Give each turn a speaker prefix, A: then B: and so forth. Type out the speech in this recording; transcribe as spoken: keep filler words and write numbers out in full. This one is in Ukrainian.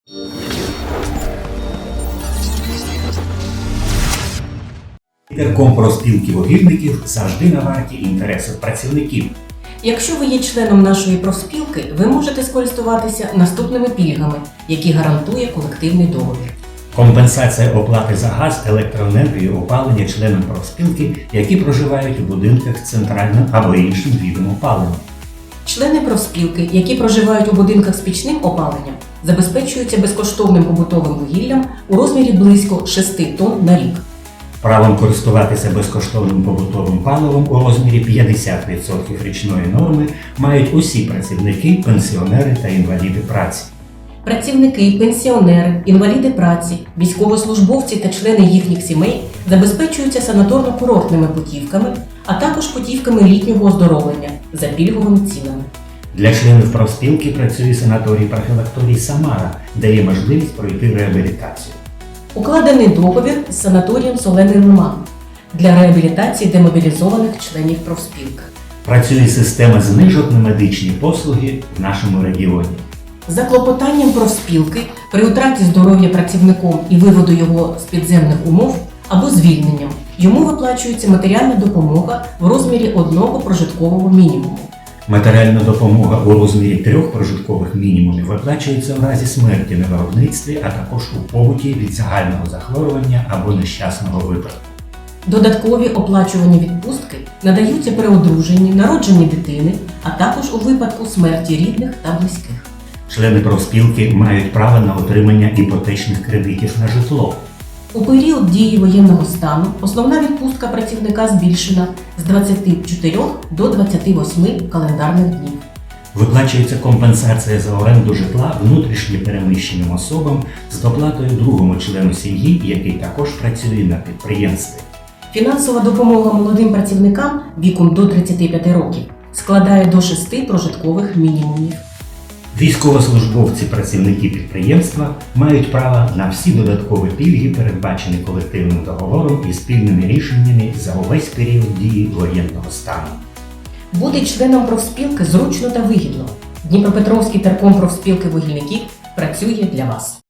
A: Терком профспілки вугільників завжди на варті інтересів працівників.
B: Якщо ви є членом нашої профспілки, ви можете скористуватися наступними пільгами, які гарантує колективний договір.
A: Компенсація оплати за газ, електроенергію, опалення членам профспілки, які проживають у будинках з центральним або іншим видом опалення.
B: Члени профспілки, які проживають у будинках з пічним опаленням, забезпечуються безкоштовним побутовим вугіллям у розмірі близько шести тонн на рік.
A: Правом користуватися безкоштовним побутовим паливом у розмірі п'ятдесят відсотків річної норми мають усі працівники, пенсіонери та інваліди праці.
B: Працівники, пенсіонери, інваліди праці, військовослужбовці та члени їхніх сімей забезпечуються санаторно-курортними путівками, а також путівками літнього оздоровлення за пільговими цінами.
A: Для членів профспілки працює санаторій-профілакторій «Самара», де є можливість пройти реабілітацію.
B: Укладений договір з санаторієм «Солений Лиман» для реабілітації демобілізованих членів профспілки.
A: Працює система знижок на медичні послуги в нашому регіоні.
B: За клопотанням профспілки при втраті здоров'я працівником і виводу його з підземних умов або звільненням йому виплачується матеріальна допомога в розмірі одного прожиткового мінімуму.
A: Матеріальна допомога у розмірі трьох прожиткових мінімумів виплачується в разі смерті на виробництві, а також у побуті від загального захворювання або нещасного випадку.
B: Додаткові оплачувані відпустки надаються при одруженні, народженні дитини, а також у випадку смерті рідних та близьких.
A: Члени профспілки мають право на отримання іпотечних кредитів на житло.
B: У період дії воєнного стану основна відпустка працівника збільшена з двадцяти чотирьох до двадцяти восьми календарних днів.
A: Виплачується компенсація за оренду житла внутрішньо переміщеним особам з доплатою другому члену сім'ї, який також працює на підприємстві.
B: Фінансова допомога молодим працівникам віком до тридцяти п'яти років складає до шести прожиткових мінімумів.
A: Військовослужбовці, працівники підприємства мають право на всі додаткові пільги, передбачені колективним договором і спільними рішеннями за увесь період дії воєнного стану.
B: Бути членом профспілки зручно та вигідно. Дніпропетровський терком профспілки вугільників працює для вас.